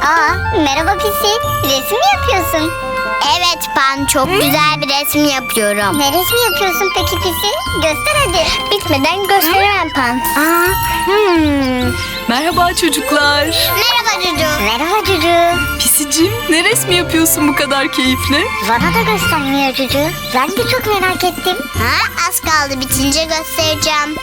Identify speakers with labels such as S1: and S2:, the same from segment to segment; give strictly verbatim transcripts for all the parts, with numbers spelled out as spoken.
S1: Aa, merhaba Pisi. Resim mi yapıyorsun?
S2: Evet Pan, çok güzel bir resim yapıyorum.
S1: Ne resmi yapıyorsun peki Pisi? Göster hadi.
S2: Bitmeden gösteremem Pan.
S1: Aa, hmm.
S3: Merhaba çocuklar.
S2: Merhaba Cucu.
S1: Merhaba Cucu.
S3: Pisicim, ne resmi yapıyorsun bu kadar keyifle?
S1: Bana da göstermiyor Cucu. Ben de çok merak ettim.
S2: Ha, az kaldı, bitince göstereceğim.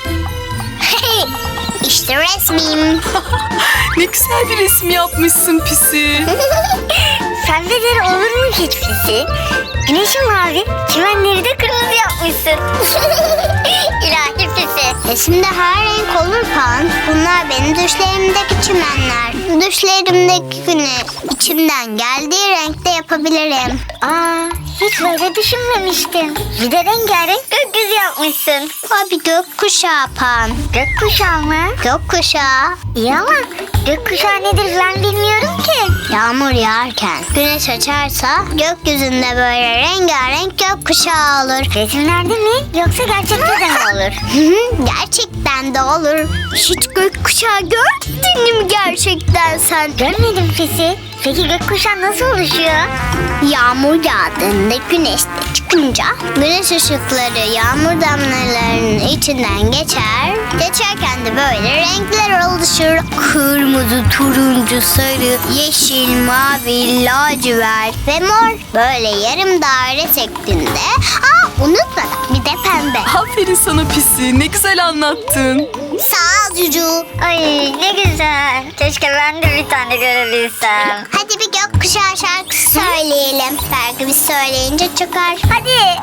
S2: İşte resmim.
S3: Ne güzel bir resim yapmışsın Pisi.
S1: Sende olur mu hiç Pisi? Güneşin mavi, çimenleri de kırmızı yapmışsın. İlahi Pisi.
S2: Resimde her renk olur Pan. Bunlar benim düşlerimdeki çimenler. Düşlerimdeki güneş içimden geldiği renkte yapabilirim.
S1: Aa, hiç böyle düşünmemiştim. Bir de rengarenk gökyüzü yapmışsın.
S2: O bir gökkuşağı Pan.
S1: Gökkuşağı mı?
S2: Gökkuşağı.
S1: İyi ama gökkuşağı nedir ben bilmiyorum ki.
S2: Yağmur yağarken güneş açarsa gökyüzünde böyle rengarenk gökkuşağı olur.
S1: Resimlerde mi yoksa gerçekte de mi olur?
S2: Gerçekten de olur. Hiç gökkuşağı gördün mü gerçekten sen?
S1: Görmedim Pisi. Peki gökkuşağı nasıl oluşuyor?
S2: Yağmur yağdığında güneş de çıkınca güneş ışıkları yağmur damlalarının içinden geçer. Geçerken de böyle renkler oluşur. Kırmızı, turuncu, sarı, yeşil, mavi, lacivert ve mor. Böyle yarım daire şeklinde. Aa, unutma, bir de pembe.
S3: Aferin sana Pisi, ne güzel anlattın.
S2: Sağ ol Cucu.
S1: Ay ne güzel. Keşke ben de bir tane görebilsem.
S2: Hadi bir gökkuşağı şarkısı söyleyelim. Belki biz söyleyince çıkar.
S1: Hadi.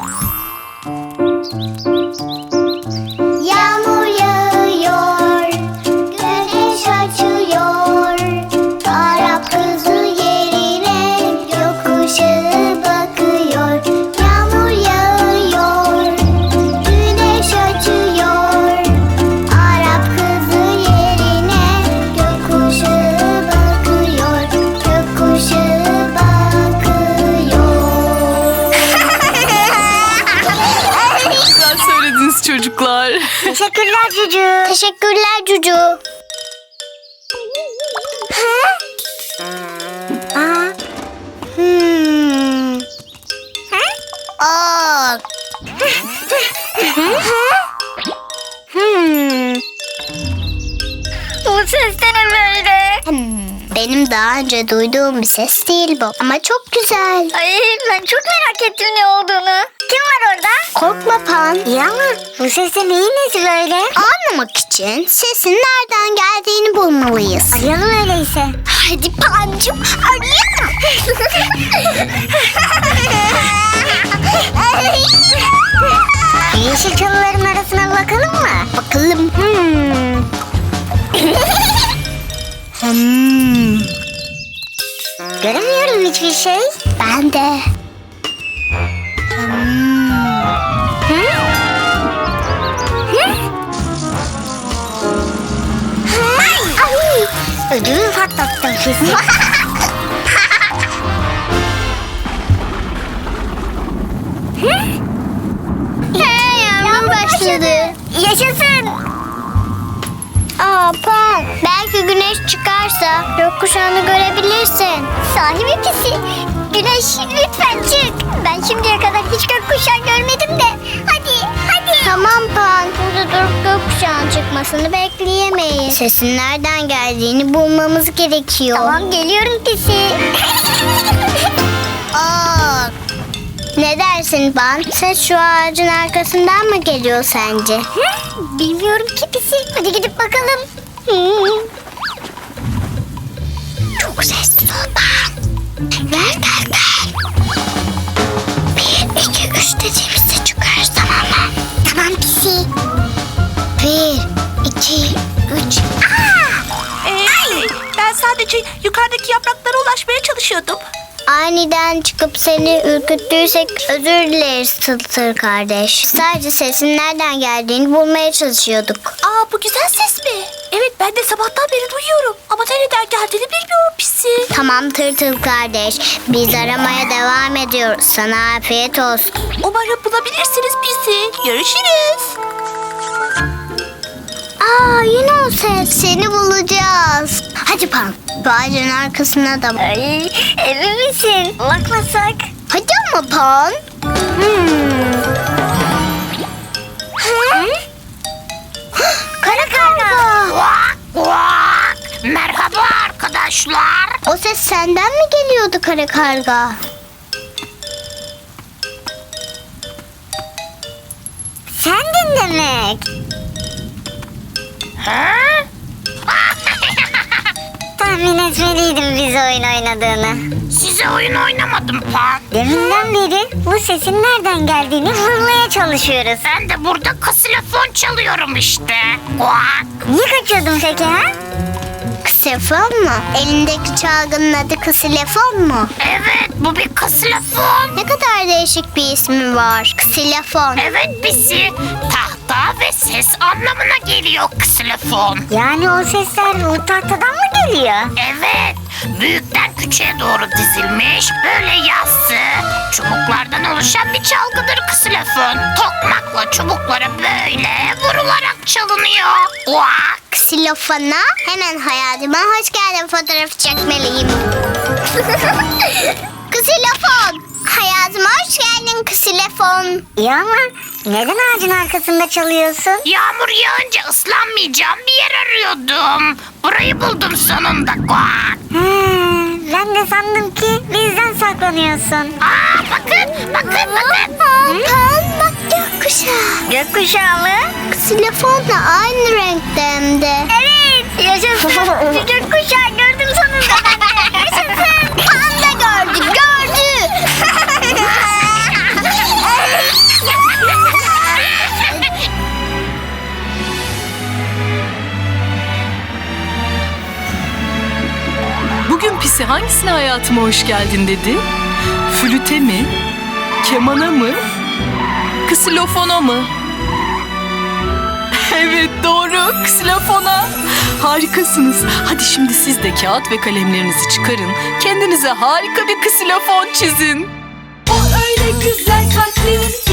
S2: Yağmur yağıyor, güneş açıyor. Arap kızı yerine gökkuşağı bakıyor. Yağmur yağıyor, güneş açıyor. Arap kızı yerine gökkuşağı bakıyor. Gökkuşağı bakıyor.
S3: Güzel söylediniz çocuklar.
S1: Teşekkürler Cucu.
S2: Teşekkürler Cucu.
S1: Aa. Hmm.
S2: Aa,
S1: Hmm. Bu ses de ne böyle?
S2: benim daha önce duyduğum bir ses değil bu. Ama çok güzel.
S1: Ay ben çok merak ettim ne olduğunu. Kim var orada?
S2: Korkma Pan.
S1: İyi ama bu ses de neyin nesi böyle?
S2: Anlamak için sesin nereden geldiğini bulmalıyız.
S1: Arayalım öyleyse.
S2: Hadi Pancım, arayalım.
S1: Yeşil çalıların arasına bakalım mı?
S2: Bakalım.
S1: Hmm.
S2: Hmm,
S1: Göremiyorum hiçbir şey.
S2: ben de. Hmm.
S1: Hı? Hı? Ay! Ödümü patlattım kesin.
S2: Hey, yağmur başladı.
S1: Yaşasın.
S2: Aa Pan, belki güneş çıkarsa gökkuşağını görebilirsin.
S1: Sahi mi Pisi? Güneş lütfen çık. Ben şimdiye kadar hiç gökkuşağı görmedim de. Hadi hadi.
S2: Tamam Pan, burada durup gökkuşağının çıkmasını bekleyemeyiz. Sesin nereden geldiğini bulmamız gerekiyor.
S1: Tamam geliyorum Pisi.
S2: Aa, ne dersin Pan? Ses şu ağacın arkasından mı geliyor sence?
S1: Bilmiyorum ki Pisi. Hadi gidip bakalım.
S2: Çok sesli ol Pan. Gel gel gel. Bir, iki, üç dediğimizde çıkarız, tamam mı?
S1: Tamam Pisi.
S2: Bir, iki, üç.
S4: Ee, ben sadece yukarıdaki yapraklara ulaşmaya çalışıyordum.
S2: Aniden çıkıp seni ürküttüysek özür dileriz Tıltır kardeş. Sadece sesin nereden geldiğini bulmaya çalışıyorduk.
S4: Aa, bu güzel ses mi? Evet, ben de sabahtan beri duyuyorum. Ama nereden geldiğini bilmiyorum Pisi.
S2: Tamam Tırtıl kardeş, biz aramaya devam ediyoruz. Sana afiyet olsun.
S4: Umarım bulabilirsiniz Pisi. Görüşürüz.
S2: Aa, yine o ses. ses. Seni bulacağız. Hadi Pan. Bu ağacın arkasına da bak.
S1: Ay, emin misin? Bakmasak.
S2: Hadi ama Pan.
S1: Hmm. Hı? Kara karga.
S4: Kuak kuak. Merhaba arkadaşlar.
S2: O ses senden mi geliyordu kara karga?
S1: Sendin demek.
S4: Ha?
S1: Tahmin etmeliydim biz oyun oynadığını.
S4: Size oyun oynamadım Pan.
S1: Deminden beri bu sesin nereden geldiğini bulmaya çalışıyoruz.
S4: Ben de burada ksilofon çalıyorum işte. Kuak.
S1: Niye kaçıyordun peki ha?
S2: Ksilefon mu? Elindeki çalgının adı ksilefon mu?
S4: Evet bu bir ksilofon.
S2: Ne kadar değişik bir ismi var. Ksilefon.
S4: Evet Pisi. Tahta ve ses anlamına geliyor ksilofon.
S1: Yani o sesler o tahtadan mı geliyor?
S4: Evet. Büyükten küçüğe doğru dizilmiş böyle yassı çubuklardan oluşan bir çalgıdır ksilofon. Tokmakla çubuklara böyle vurularak çalınıyor. Kuak.
S2: Ksilofona hemen hayatıma hoş geldin fotoğrafı çekmeliyim. Ksilofon. Hayatıma hoş geldin ksilofon.
S1: İyi ama neden ağacın arkasında çalıyorsun?
S4: Yağmur yağınca ıslanmayacağım bir yer arıyordum. Burayı buldum sonunda. Kuak.
S1: Hmm, ben de sandım ki bizden saklanıyorsun.
S4: Aa bakın bakın bakın.
S2: Pan bak gökkuşağı.
S1: Gökkuşağı mı?
S2: Ksilofonla aynı renkte hem de.
S1: Evet. Yaşasın. Bir gökkuşağı gördüm sonunda ben de. Yaşasın.
S2: Pan da gördü gördü.
S3: Bugün Pisi hangisine hayatıma hoş geldin dedi? Flüte mi? Kemana mı? Ksilofona mı? Evet doğru, ksilofona. Harikasınız. Hadi şimdi siz de kağıt ve kalemlerinizi çıkarın. Kendinize harika bir ksilofon çizin. O öyle güzel kalpli